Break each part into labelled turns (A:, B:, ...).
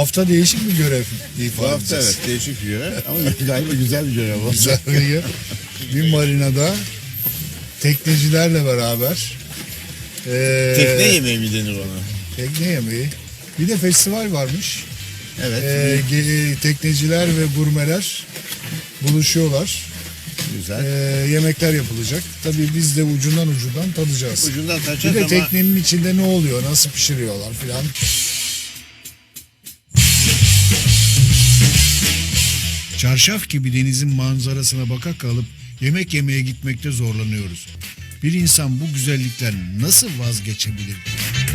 A: hafta değişik bir görev
B: Bu
A: ifade
B: hafta
A: edeceğiz.
B: evet değişik bir görev ama galiba güzel bir görev oldu.
A: Güzel bir marinada teknecilerle beraber
B: Tekne yemeği mi denir ona?
A: tekne yemeği. Bir de festival varmış.
B: Evet.
A: Tekneciler ve gurmeler buluşuyorlar.
B: Güzel.
A: Yemekler yapılacak. Tabii biz de ucundan tadacağız.
B: Ucundan
A: Bir
B: kaçacağız
A: de
B: ama
A: teknenin içinde ne oluyor, nasıl pişiriyorlar filan. Çarşaf gibi denizin manzarasına baka kalıp yemek yemeye gitmekte zorlanıyoruz. Bir insan bu güzellikten nasıl vazgeçebilir ki?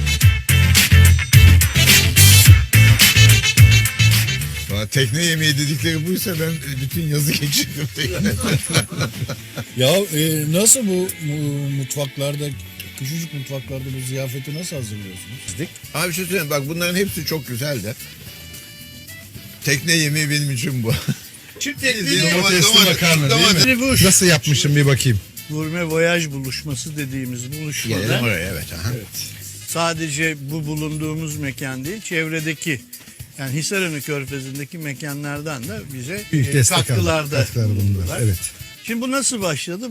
B: tekne yemeği dedikleri buysa ben bütün yazı geçirdim teknede.
C: Ya nasıl bu mutfaklarda, küçücük mutfaklarda bu ziyafeti nasıl hazırlıyorsunuz?
B: Abi bir şey söyleyeyim bak bunların hepsi çok güzel de. Tekne yemeği benim için bu. Çift
D: Domatesli makarna değil mi? Nasıl yapmışım bir bakayım.
E: Gurme voyaj buluşması dediğimiz
B: Gelelim
E: buluşmada
B: oraya evet. Aha.
E: sadece bu bulunduğumuz mekan değil, çevredeki yani Hisarönü Körfezi'ndeki mekanlardan da bize
D: Büyük destek
E: katkılarda
D: katkılar bulundular.
E: bulundular.
D: Evet.
E: Şimdi bu nasıl başladı?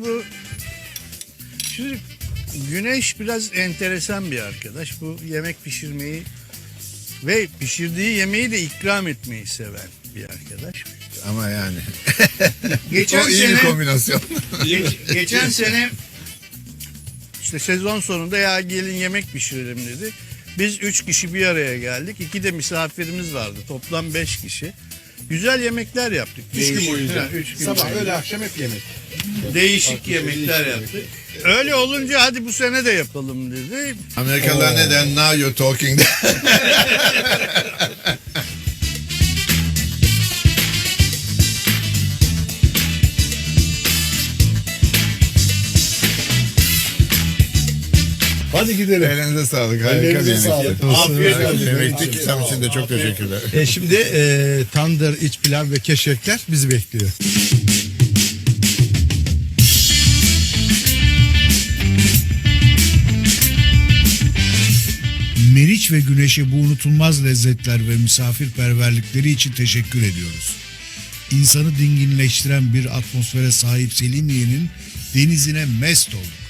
E: Şimdi Güneş biraz enteresan bir arkadaş. Bu yemek pişirmeyi ve pişirdiği yemeği de ikram etmeyi seven bir arkadaş.
B: Ama yani.
E: Geçen
B: o iyi bir kombinasyon.
E: Geçen sene işte sezon sonunda ya gelin yemek pişirelim dedi. Biz 3 kişi bir araya geldik. 2 de misafirimiz vardı. Toplam 5 kişi. Güzel yemekler yaptık.
D: 3 gün boyunca.
E: Ha, 3 gün
D: Sabah,
E: boyunca.
D: öğle, akşam hep yemek.
E: Değişik yemekler yaptık. Öyle olunca hadi bu sene de yapalım dedi.
B: Amerikalılar neden now you're talking
A: Hadi gidelim.
B: Elinize sağlık. Harika bir
A: Elinize
B: yemekti.
A: sağlık.
E: Afiyet
B: Harika
E: olsun.
B: bir yemekti. Kisam için de çok teşekkürler.
D: Şimdi tandır, iç pilav ve keşkekler bizi bekliyor.
A: Meriç ve Güneş'e bu unutulmaz lezzetler ve misafirperverlikleri için teşekkür ediyoruz. İnsanı dinginleştiren bir atmosfere sahip Selimiye'nin denizine mest olduk.